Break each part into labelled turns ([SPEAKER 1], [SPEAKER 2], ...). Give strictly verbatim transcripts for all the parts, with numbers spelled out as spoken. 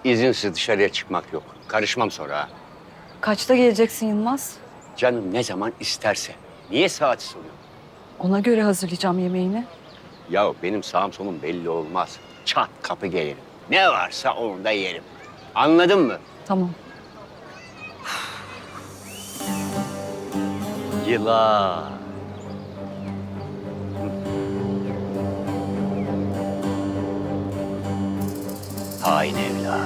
[SPEAKER 1] İzinsiz dışarıya çıkmak yok. Karışmam sonra ha.
[SPEAKER 2] Kaçta geleceksin Yılmaz?
[SPEAKER 1] Canım ne zaman isterse. Niye saati soruyor?
[SPEAKER 2] Ona göre hazırlayacağım yemeğini.
[SPEAKER 1] Ya benim sağım solum belli olmaz. Çat kapı gelirim. Ne varsa onu da yerim. Anladın mı?
[SPEAKER 2] Tamam.
[SPEAKER 1] Yılan. Hain evlat.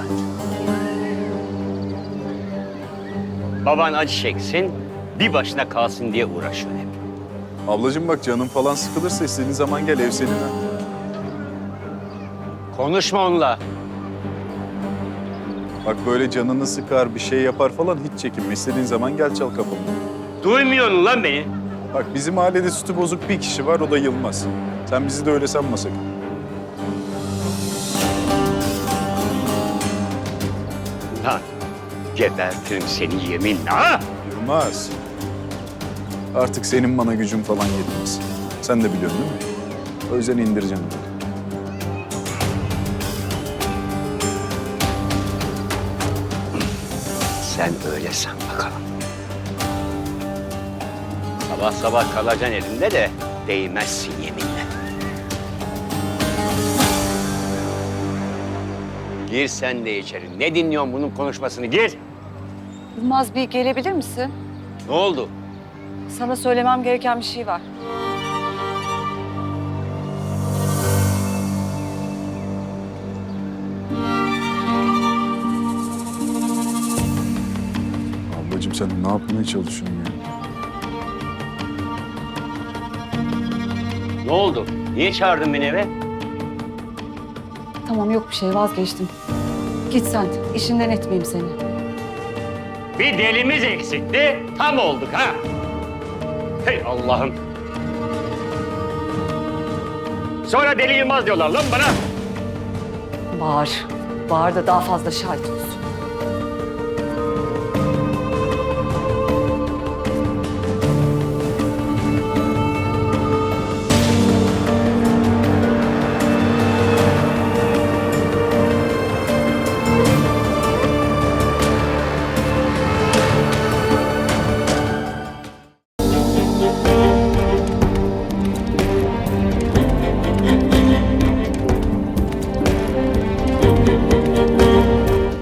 [SPEAKER 1] Baban acı çeksin, bir başına kalsın diye uğraşıyor hep.
[SPEAKER 3] Ablacığım bak canın falan sıkılırsa istediğin zaman gel, ev senin ha.
[SPEAKER 1] Konuşma onunla.
[SPEAKER 3] Bak böyle canını sıkar, bir şey yapar falan hiç çekinme. İstediğin zaman gel çal kapımı.
[SPEAKER 1] Duymuyorsun lan beni.
[SPEAKER 3] Bak bizim mahallede sütü bozuk bir kişi var, o da Yılmaz. Sen bizi de öyle sanma sakın.
[SPEAKER 1] Lan gebertirim seni yeminle ha.
[SPEAKER 3] Yılmaz. Artık senin bana gücün falan yetmez. Sen de biliyorsun değil mi? O yüzden indireceğim böyle.
[SPEAKER 1] Sen öyle san bakalım. Sabah sabah kalacaksın elimde de değmezsin yeminle. Gir sen de içeri. Ne dinliyorsun bunun konuşmasını? Gir.
[SPEAKER 2] Yılmaz bir gelebilir misin?
[SPEAKER 1] Ne oldu?
[SPEAKER 2] Sana söylemem gereken bir şey var.
[SPEAKER 3] Ablacığım sen ne yapmaya çalışıyorsun ya?
[SPEAKER 1] Ne oldu? Niye çağırdın beni eve?
[SPEAKER 2] Tamam yok bir şey vazgeçtim. Git sen. İşinden etmeyeyim seni.
[SPEAKER 1] Bir delimiz eksikti. Tam olduk ha. Hey Allah'ım. Sonra deli Yılmaz diyorlar lan bana.
[SPEAKER 2] Bağır. Bağır da daha fazla şahit.